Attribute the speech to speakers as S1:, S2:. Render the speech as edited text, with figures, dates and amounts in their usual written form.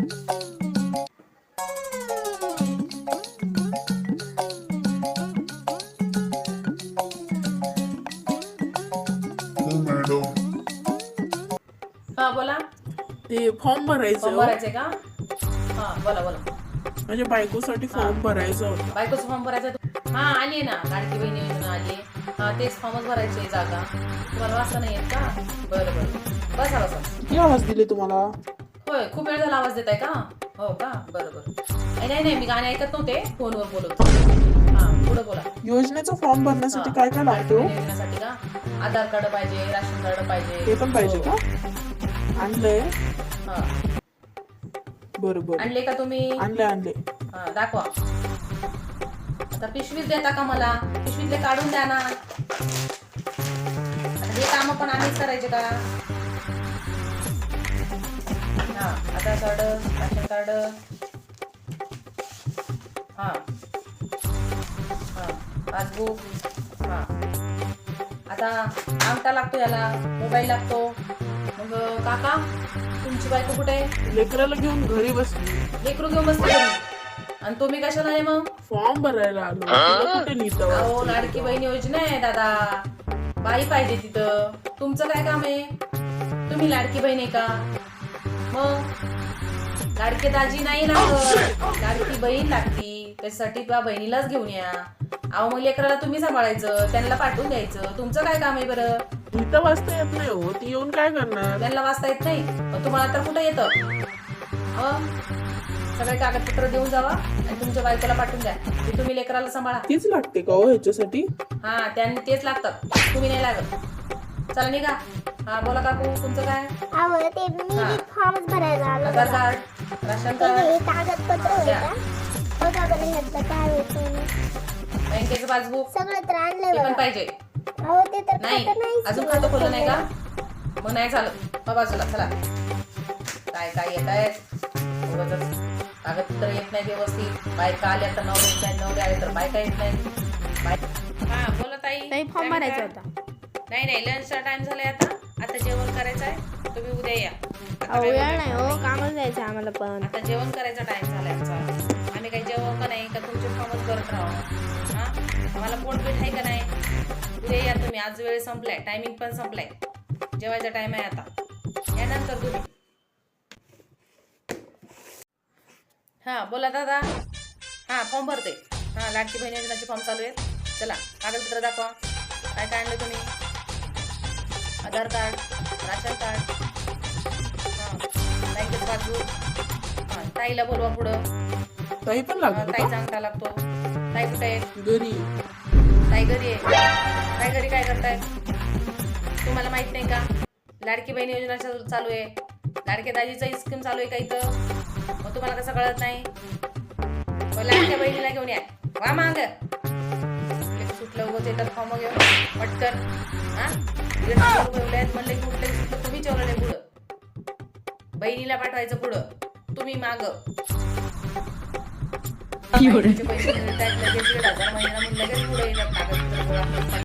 S1: हा बोला.
S2: ते फॉर्म भरायचं
S1: फॉर्म
S2: हो.
S1: भरायचे का? हा बोला बोला.
S2: माझ्या बायकोसाठी फॉर्म भरायचा होता.
S1: बायकोचा फॉर्म भरायचा हा आली ना, लाडकी बहीण योजना आली. हा तेच फॉर्मच भरायचे. जागा तुम्हाला वाचता नाही येत का? बरं बरं, बसा बसा.
S2: किती आवाज दिले तुम्हाला?
S1: होय, खूप वेळ झाला आवाज देत आहे का? हो का, बरं बरं. नाही नाही, मी गाणे ऐकत नव्हते, फोनवर बोलत होते. हा पुढे बोला.
S2: योजनेचा फॉर्म भरण्यासाठी काय काय लागतो?
S1: योजनेसाठी का? आधार कार्ड पाहिजे, राशन कार्ड पाहिजे.
S2: ते पण पाहिजे का? आणलंय.
S1: हा
S2: बरोबर,
S1: आणले का तुम्ही?
S2: आणले.
S1: हा दाखवा. आता पिशवीत देता का मला? पिशवीतले काढून द्या ना. हे काम पण आम्हीच करायचे का? हा आधार कार्ड, राशन कार्ड. हा हा पासबुक. हा आता अंगठा लागतो, याला मोबाईल लागतो. मग काका तुमची बायको कुठे आहे?
S2: लेकराला घेऊन घरी बसली.
S1: लेकरू घेऊन बसते तुम्ही, आणि तुम्ही कशाला आहे मग?
S2: फॉर्म भरायला आलो. तुला कुठे नेतं?
S1: अहो लाडकी बहीण योजना आहे दादा, बाई पाहिजे तिथं. तुमचं काय काम आहे? तुम्ही लाडकी बहीण आहे का? मग लाडके दाजी नाही लागत, लाडकी बहीण लागती. त्याच्यासाठी तुझ्या बहिणीलाच घेऊन या. अहो मग लेकराला तुम्ही सांभाळायचं, त्यांना पाठवून द्यायचं. तुमचं काय काम आहे बरं?
S2: इथं वाचता येत नाही हो, ती येऊन काय करणार?
S1: त्यांना वाचता येत नाही, मग तुम्हाला तर कुठं येतं? सगळे कागदपत्र देऊन जावा आणि तुमच्या बायकोला पाठवून द्या, की तुम्ही लेकराला सांभाळा.
S2: तीच लागते का हो ह्याच्यासाठी?
S1: हा त्यांनी तेच लागतात, तुम्ही नाही लागत. चला निघा. हा बोला काकू, तुमचं काय?
S3: फॉर्म भरायला आलो.
S1: आधार कार्ड, राशन कार्ड,
S3: कागदपत्र काय
S1: बँकेचं पासबुक
S3: सगळं तर आणलंय
S1: ते पण
S3: बघा.
S1: पाहिजे.
S3: अहो ते तर
S1: नाही
S3: खातं नाहीच
S1: अजून
S3: की
S1: खातं
S3: मला
S1: खोललं नाही का?
S3: सगळं.
S1: मग नाही चालत. बाजूला चला. काय काय येत आहे उगाचच. कागदपत्र येत नाही व्यवस्थित. बायका आल्या तर नवरे येत नाही, नवरे आले तर बायका येत नाही. हा बोला ताई.
S4: फॉर्म भरायचा होता.
S1: नाही लंचचा टाइम झालाय आता जेवण करायचं आहे. तुम्ही उद्या या. आता काय
S4: वेळ नाही हो, कामच जायचं आम्हाला पण.
S1: आता जेवण करायचा टाइम झालाय आमचा. आम्ही काही जेवण का नाही का तुमचे फॉर्मच करत राहू? हा आम्हाला पोटपीठ आहे का नाही? उद्या या तुम्ही. आज वेळ संपलाय, टायमिंग पण संपलाय. जेवायचा टाइम आहे आता. यानंतर तुम्ही. हा बोला दादा. हा फॉर्म भरते. हा लाडकी बहीण योजनाचे फॉर्म चालू आहेत. चला कागदपत्र दाखवा. काय काय आणलं तुम्ही? आधार कार्ड, राशन कार्ड, हा बँकेचं पासबुक. हा ताईला बोलवा पुढं.
S2: ताई पण लागते का?
S1: ताईचा अंगठा लागतो. ताई कुठे आहे?
S2: घरी.
S1: ताई घरी आहे. ताई घरी काय करताय? तुम्हाला माहित नाही का? लाडकी बहीण योजना चालू आहे. लाडक्या दाजीचा स्कीम चालू आहे का इथं? मग तुम्हाला कसं कळत नाही? मग लाडक्या बहिणीला घेऊन या. वा माग सुटलं उगवच येतात फॉर्म घेऊन पटकन. हा म्हणलं की कुठलं सुटलं तुम्ही ठेवलं नाही पुढं. बहिणीला पाठवायचं पुढं, तुम्ही माग. पैसे मिळतात लगेच 1,500 महिन्याला, लगेच पुढे येतात कागदपत्र.